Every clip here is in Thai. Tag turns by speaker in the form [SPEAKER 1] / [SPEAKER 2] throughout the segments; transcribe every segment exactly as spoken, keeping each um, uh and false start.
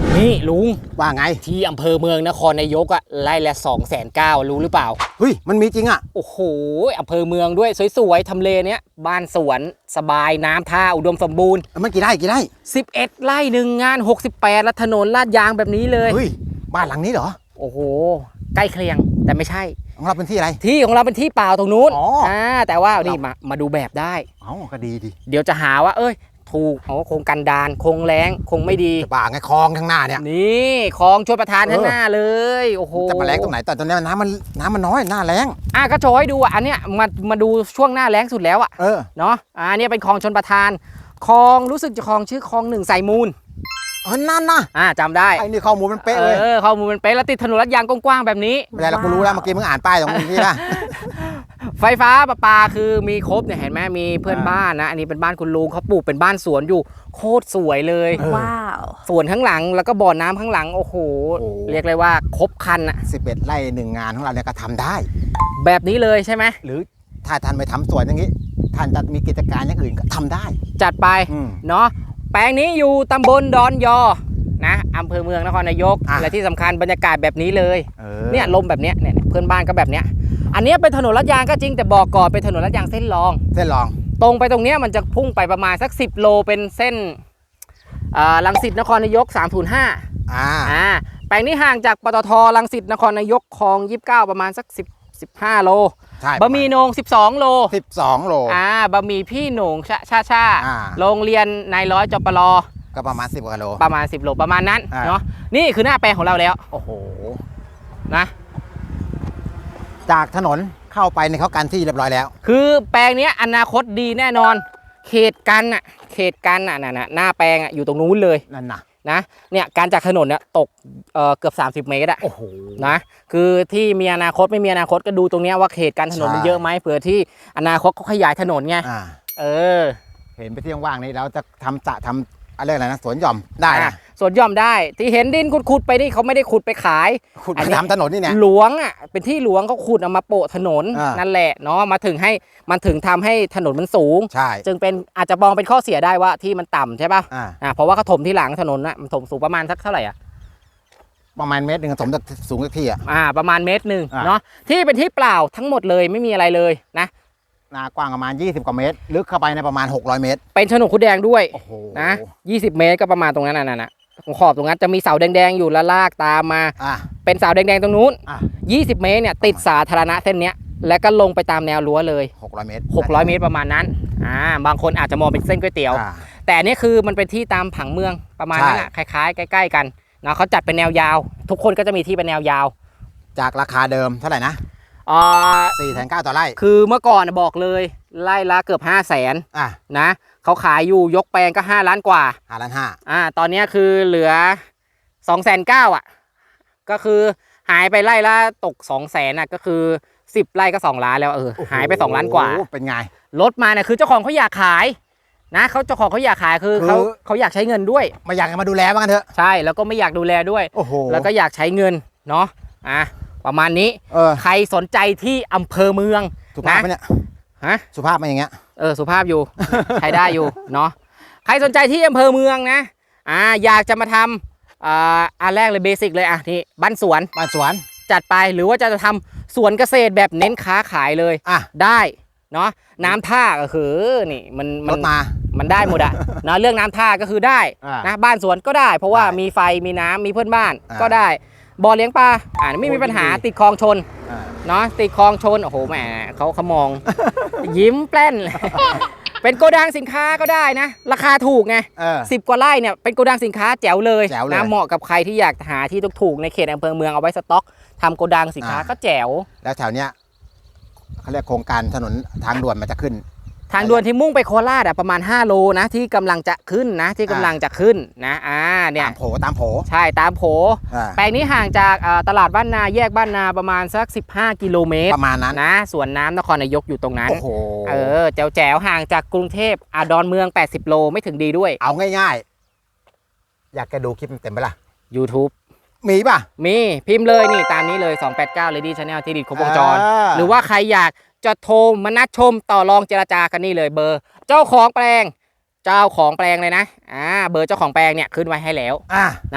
[SPEAKER 1] นี่ลุง
[SPEAKER 2] ว่าไง
[SPEAKER 1] ที่อำเภอเมืองนครนายกอะไร่ละสองแสนเก้ารู้หรือเปล่า
[SPEAKER 2] เฮ้ยมันมีจริงอะ
[SPEAKER 1] โอ้โหอำเภอเมืองด้วยสวยๆทำเลเนี้ยบ้านสวนสบายน้ำท่าอุดมสมบูรณ์
[SPEAKER 2] มันกี่ไร่กี่ไร่
[SPEAKER 1] สิบเอ็ดไร่หนึ่งงานหกสิบแปดและถนนลาดยางแบบนี้เลย
[SPEAKER 2] เฮ้ยบ้านหลังนี้เหรอ
[SPEAKER 1] โอ้โหใกล้เคียงแต่ไม่ใช่
[SPEAKER 2] ของเราเป็นที่อะไร
[SPEAKER 1] ที่ของเราเป็นที่เปล่าตรงนู้น
[SPEAKER 2] อ๋ออ่
[SPEAKER 1] าแต่ว่านี่มามาดูแบบได้
[SPEAKER 2] เอ้าก็ดีดี
[SPEAKER 1] เดี๋ยวจะหาว่าเอ้ยถูกโอ้คงกันดานคงแรงคงไม่ดี
[SPEAKER 2] จะบ้าไงคลองข้างหน้าเนี่ย
[SPEAKER 1] นี่คลองชลประทานข้างหน้าเลยโอ้โห
[SPEAKER 2] จะมาแรงตรงไหนแต่ตอนนี้น้ำมันน้ำมันน้อยหน้าแรง
[SPEAKER 1] อ่ะก็โชว์ให้ดูอ่ะอันเนี้ยมามาดูช่วงหน้าแรงสุดแล้วอ่ะ
[SPEAKER 2] เออ
[SPEAKER 1] เนาะอ่าเนี้ยเป็นคลองชลประทานคลองรู้สึกจะคลองชื่อคลองหนึ่งสายมูล
[SPEAKER 2] เออนั่นนะ
[SPEAKER 1] อ่าจำได้
[SPEAKER 2] ไอ้นี่ข้อมูลมันเป๊ะเลย
[SPEAKER 1] เออข้อมูลมันเป๊ะแล้วติดถนนลาดยางกว้างๆแบบนี้
[SPEAKER 2] ไม่ได้เรากูรู้แล้วเมื่อกี้มึงอ่านป้ายตรงนี้นะ
[SPEAKER 1] ไฟฟ้าประปาคือมีครบเนี่ยเห็นไหมมีเพื่อนบ้านนะอันนี้เป็นบ้านคุณลุงเขาปลูกเป็นบ้านสวนอยู่โคตรสวยเลย
[SPEAKER 3] ว้าว
[SPEAKER 1] สวนข้างหลังแล้วก็บ่อน้ำข้างหลังโอ้โหเรียกเลยว่าครบคันอะ
[SPEAKER 2] สิบเอ็ดไร่หนึ่งงานของเราเนี่ยก็ทำได้
[SPEAKER 1] แบบนี้เลยใช่ไหม
[SPEAKER 2] หรือถ้าท่านไปทำสวนอย่างนี้ท่านจะมีกิจการอย่างอื่นก็ทำได้
[SPEAKER 1] จัดไปเนาะแปลงนี้อยู่ตำบลดอนยอนะอำเภอเมืองนครนายกและที่สำคัญบรรยากาศแบบนี้เลยเนี่ยลมแบบเนี้ยเนี่ยเพื่อนบ้านก็แบบเนี้ยอันนี้เป็นถนนลาดยางก็จริงแต่บอกก่อนเป็นถนนลาดยางเส้นรอง
[SPEAKER 2] เส้นรอง
[SPEAKER 1] ตรงไปตรงเนี้ยมันจะพุ่งไปประมาณสักสิบโลเป็นเส้นรังสิตนครนายกสามศูนย์ห้า
[SPEAKER 2] อ่า
[SPEAKER 1] อ่าแปลงนี้ห่างจากปตทรังสิตนครนายกคลองยี่สิบเก้าประมาณสักสิบ สิบห้าโล
[SPEAKER 2] ใช่
[SPEAKER 1] บะหมี่โหน่งสิบสองโล
[SPEAKER 2] สิบสองโล
[SPEAKER 1] อ่าบะหมี่พี่โหน่งชาชาชาโร
[SPEAKER 2] ง
[SPEAKER 1] เรียนนายร้อยจปร
[SPEAKER 2] ก็ประมาณสิบกิโล
[SPEAKER 1] ประมาณสิบโลประมาณนั้นเนาะนี่คือหน้าแปลงของเราแล้ว
[SPEAKER 2] โอ้โห
[SPEAKER 1] นะ
[SPEAKER 2] จากถนนเข้าไปในเขากันที่เรียบร้อยแล้ว
[SPEAKER 1] คือแปลงนี้อนาคตดีแน่นอนเขตกันอ่ะเขตกันอ่ะน่ะหน้าแปลงอ่ะอยู่ตรงนู้นเลย
[SPEAKER 2] นั่นนะ
[SPEAKER 1] นะเนี่ยการจากถนนเนี่ยตกเอ่อเกือบสามสิบเมตรอ่ะ
[SPEAKER 2] โอ้โห
[SPEAKER 1] นะคือที่มีอนาคตไม่มีอนาคตก็ดูตรงนี้ว่าเขตการถนนมันเยอะไหมเผื่อที่อนาคตเขาขยายถนนไงเออ
[SPEAKER 2] เห็นไปที่ว่างนี้เราจะทำจะทำอะไรอะไรนะสวนหย่อมได้นะ
[SPEAKER 1] สวนหย่อมได้ที่เห็นดินขุดๆไปนี่เขาไม่ได้ขุดไปขาย
[SPEAKER 2] ขุดไปทำถนนนี่เนี่ย
[SPEAKER 1] หลวงอ่ะเป็นที่หลวงเขาขุดเอามาโปะถนนนั่นแหละเนาะมาถึงให้มันถึงทำให้ถนนมันสูง
[SPEAKER 2] ใช่
[SPEAKER 1] จึงเป็นอาจจะมองเป็นข้อเสียได้ว่าที่มันต่ำใช่ป่ะอ่าเพราะว่าเขาถมที่หลังถนนน่ะมันถมสูงประมาณสักเท่าไหร่อ่ะ
[SPEAKER 2] ประมาณเมตรหนึ่งถมสูงสักที่อ่ะ
[SPEAKER 1] อ่าประมาณเมตรหนึ่งเนาะที่เป็นที่เปล่าทั้งหมดเลยไม่มีอะไรเลยนะ
[SPEAKER 2] นากว้างประมาณยี่สิบกว่าเมตรลึกเข้าไปในประมาณหกร้อยเมตร
[SPEAKER 1] เป็นโฉนดคุดแดงด้วยนะยี่สิบเมตรก็ประมาณตรงนั้นน่ะนะขอบตรงนั้นจะมีเสาแดงๆอยู่แล้วลากตามมาเป็นเสาแดงๆตรงนู้นยี่สิบเมตรเนี่ยติดสาธารณะเส้นเนี้ยแล้วก็ลงไปตามแนวรั้วเลย
[SPEAKER 2] หกร้อยเมตร
[SPEAKER 1] หกร้อยเมตรประมาณนั้นอ่าบางคนอาจจะมองเป็นเส้นก๋วยเตี๋ยวแต่นี่คือมันเป็นที่ตามผังเมืองประมาณนั้นคล้ายๆใกล้ๆกันนะเขาจัดเป็นแนวยาวทุกคนก็จะมีที่เป็นแนวยาว
[SPEAKER 2] จากราคาเดิมเท่าไหร่นะ
[SPEAKER 1] อ่า
[SPEAKER 2] สี่แสนเก้าต่อไร่
[SPEAKER 1] คือเมื่อก่อนบอกเลยไร่ละเกือบห้าแสน
[SPEAKER 2] อ่ะ
[SPEAKER 1] นะเขาขายอยู่ยกแปลงก็ห้าล้านกว่า
[SPEAKER 2] ห้าล้านห้า
[SPEAKER 1] อ่าตอนนี้คือเหลือสองแสนเก้าอ่ะก็คือหายไปไร่ละตกสองแสนอ่ะก็คือสิบไร่ก็สองล้านแล้วเออหายไปสองล้านกว่า
[SPEAKER 2] เป็นไง
[SPEAKER 1] ลดมาเนี่ยคือเจ้าของเขาอยากขายนะเขาเจ้าของเขาอยากขายคือเขาเขาอยากใช้เงินด้วย
[SPEAKER 2] ไม่อยากมาดูแลบ้างกันเถอะ
[SPEAKER 1] ใช่แล้วก็ไม่อยากดูแลด้วย
[SPEAKER 2] โอ้โห
[SPEAKER 1] แล้วก็อยากใช้เงินเนาะอ่ะประมาณนี้ใครสนใจที่อำเภอเมือง
[SPEAKER 2] สุภาพไหมเนี่ย
[SPEAKER 1] ฮะ
[SPEAKER 2] สุภาพไหมอย่างเงี้ย
[SPEAKER 1] เออสุภาพอยู่ ใช้ได้อยู่เนาะใครสนใจที่อำเภอเมืองนะอ่าอยากจะมาทำอ่าอันแรกเลยเบสิกเลยอ่ะนี่บ้านสวน
[SPEAKER 2] บ้านสวน
[SPEAKER 1] จัดไปหรือว่าจะทำสวนเกษตรแบบเน้นค้าขายเลย
[SPEAKER 2] อ่ะ
[SPEAKER 1] ได้เนาะน้ำท่าก็คือนี่มัน
[SPEAKER 2] มันมา
[SPEAKER 1] มันได้หมดอะเนาะเรื่องน้ำท่าก็คือได้นะบ้านสวนก็ได้เพราะว่ามีไฟมีน้ำมีเพื่อนบ้านก็ได้บ่อเลี้ยงปลาอ่าไม่มีปัญหาติดคลองชนเนาะติดคลองชนโอ้โหแหมเขาเขามองยิ้มแป้นเลยเป็นโกดังสินค้าก็ได้นะราคาถูกไงสิบกว่าไร่เนี่ยเป็นโกดังสินค้าแจ๋วเลยนะเหมาะกับใครที่อยากหาที่ถูกๆในเขตอำเภอเมืองเอาไว้สต็อกทำโกดังสินค้าก็แจ๋ว
[SPEAKER 2] แล้วแถวเนี้ยเขาเรียกโครงการถนนทางด่วนมันจะขึ้น
[SPEAKER 1] ทางด่วนที่มุ่งไปโคราชอะประมาณห้าโลนะที่กำลังจะขึ้นนะที่กำลังจะขึ้นนะอ่าเนี่ย
[SPEAKER 2] ตามโผตามโผ
[SPEAKER 1] ใช่ตามโผแปลงนี้ห่างจากตลาดบ้านนาแยกบ้านนาประมาณสักสิบห้ากิโลเมตร
[SPEAKER 2] ประมาณนั้น
[SPEAKER 1] นะสวนน้ำนครนายกอยู่ตรงนั้น
[SPEAKER 2] โอ้โห
[SPEAKER 1] เออแจ๋วแจ๋วห่างจากกรุงเทพอาดอนเมืองแปดสิบโลไม่ถึงดีด้วย
[SPEAKER 2] เอาง่ายๆอยากจะดูคลิปเต็มไหมล่ะ
[SPEAKER 1] YouTube
[SPEAKER 2] มีป่ะ
[SPEAKER 1] มีพิมพ์เลยนี่ตามนี้เลยสองแปดเก้า Lady Channel ที่ดินครบวงจรหรือว่าใครอยากจะโทรมานัดชมต่อรองเจรจากันนี่เลยเบอร์เจ้าของแปลงเจ้าของแปลงเลยนะอ่าเบอร์เจ้าของแปลงเนี่ยขึ้นไว้ให้แล้ว
[SPEAKER 2] อ่า
[SPEAKER 1] นะ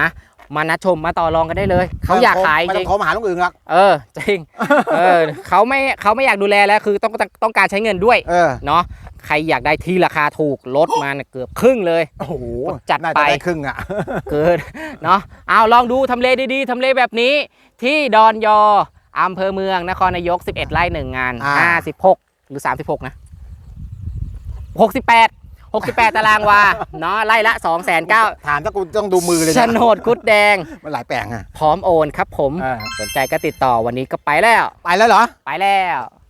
[SPEAKER 1] มานัดชมมาต่อรองกันได้เลยเขาอยากขายจ
[SPEAKER 2] ไม่ต้
[SPEAKER 1] ริ
[SPEAKER 2] อง งโทรมาหาลุงอึ่งหรอก
[SPEAKER 1] เออจริงเออเขาไม่เขาไม่อยากดูแลแล้วคือต้องต้องต้องการใช้เงินด้วย
[SPEAKER 2] เออ
[SPEAKER 1] เนาะใครอยากได้ที่ราคาถูกลดมาเนี่ยเกือบครึ่งเลย
[SPEAKER 2] โอ้โห
[SPEAKER 1] จัด
[SPEAKER 2] น่า
[SPEAKER 1] ไป
[SPEAKER 2] จะได้ครึ่งอ่ะ
[SPEAKER 1] เกินเนาะเอาลองดูทำเลดีๆทำเลแบบนี้ที่ดอนยออำเภอเมืองนครนายกสิบเอ็ดไร่หนึ่งงาน
[SPEAKER 2] อ่า
[SPEAKER 1] ห้าสิบหกหรือสามสิบหกนะหกสิบแปด หกสิบแปดตารางวาเนาะไร่ละ สองแสนเก้าหมื่น
[SPEAKER 2] ถามถ้ากูต้องดูมือเลย
[SPEAKER 1] โฉ
[SPEAKER 2] นะ
[SPEAKER 1] นดคุดแดง
[SPEAKER 2] มันหลายแปลงอ่ะ
[SPEAKER 1] พร้อมโอนครับผม
[SPEAKER 2] เออ
[SPEAKER 1] สนใจก็ติดต่อวันนี้ก็ไปแล้ว
[SPEAKER 2] ไปแล้วเหรอ
[SPEAKER 1] ไปแล้ว